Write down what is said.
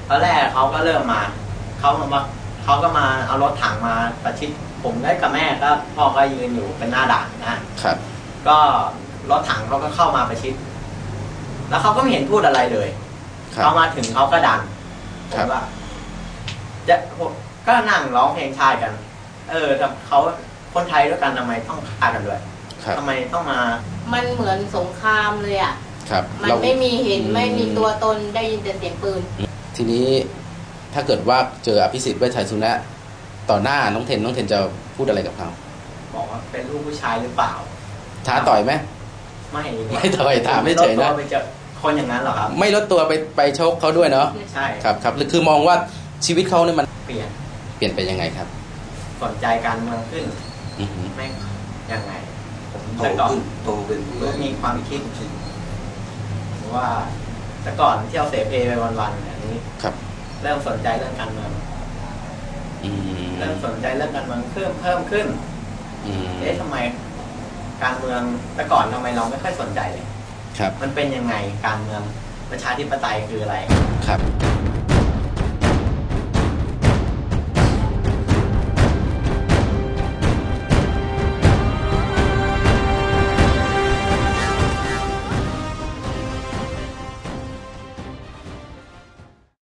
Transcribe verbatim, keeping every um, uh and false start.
ตอนแรกเขาก็เริ่มมาเขามาเขาก็มาเอารถถังมาประชิดผมได้กับแม่ก็พ่อก็ยืนอยู่เป็นหน้าด่านนะครับก็รถถังเขาก็เข้ามาประชิดแล้วเขาก็ไม่เห็นพูดอะไรเลยเขามาถึงเขาก็ดันผมว่าจะก็นั่งร้องเพลงชาติกันเออแต่เขาคนไทยด้วยกันทำไมต้องฆ่ากันด้วยทำไมต้องมามันเหมือนสงครามเลยอ่ะมันไม่มีเห็นไม่มีตัวตนได้ยินแต่เสียงปืนทีนี้ถ้าเกิดว่าเจออภิสิทธิ์เวชชัยสุนะต่อหน้าน้องเทนน้องเทนจะพูดอะไรกับเขาบอกว่าเป็นลูกผู้ชายหรือเปล่าท้าต่อยไหมไม่ไม่ต่อยถามไม่เฉยนะไปเจอคนอย่างนั้นหรอครับไม่ลดตัวไปไปชกเขาด้วยเนาะใช่ครับครับคือมองว่าชีวิตเขาเนี่ยมันเปลี่ยนเปลี่ยนไปยังไงครับสนใจการเมืองขึ้นไม่ยังไงผมแต่ก่อนโตเป็นมีความคิดว่าแต่ก่อนเที่ยวเสเพไปวันๆอันนี้ครับเริ่มสนใจเรื่องการเมืองเริ่มสนใจเรื่องการเมืองเพิ่มเพิ่มขึ้นเอ๊ะทำไมการเมืองแต่ก่อนทำไมเราไม่ค่อยสนใจเลยครับมันเป็นยังไงการเมืองประชาธิปไตยคืออะไรครับ